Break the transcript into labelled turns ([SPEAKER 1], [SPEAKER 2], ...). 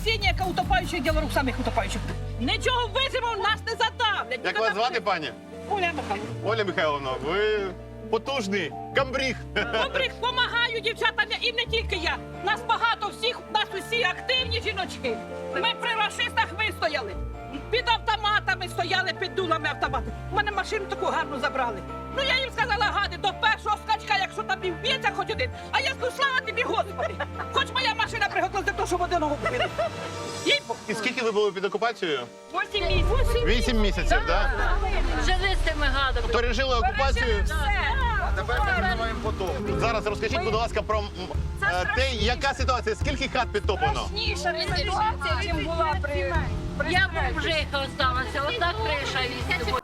[SPEAKER 1] спасіння, яке утопаючих, діло рук самих утопаючих. Нічого вижимо, нас не задавлять.
[SPEAKER 2] Як вас звати, пані?
[SPEAKER 1] Оля Михайловна.
[SPEAKER 2] Оля Михайловна, ви потужний камбріг.
[SPEAKER 1] Добрих помагаю дівчатам, і не тільки я. Нас багато всіх, нас усі активні жіночки. Ми при рашистах вистояли. Під автоматами стояли, під дулами автоматів. У мене машину таку гарну забрали. Ну я їм сказала, гади, до першого скачка, якщо там і вб'ється хоч один. А я скажу, слава тобі, Господи. Хоч моя машина приготувалася для того, щоб одного вбили. Їй-богу.
[SPEAKER 2] І скільки ви були під окупацією?
[SPEAKER 1] 8 місяців.
[SPEAKER 2] 8 місяців, так?
[SPEAKER 3] Жили з цими гадами.
[SPEAKER 2] Пережили окупацію.
[SPEAKER 4] А тепер ми переживаємо потом.
[SPEAKER 2] Зараз розкажіть, будь ласка, про те, яка ситуація, скільки хат підтоплено?
[SPEAKER 3] Я бомжиха осталася, отак криша від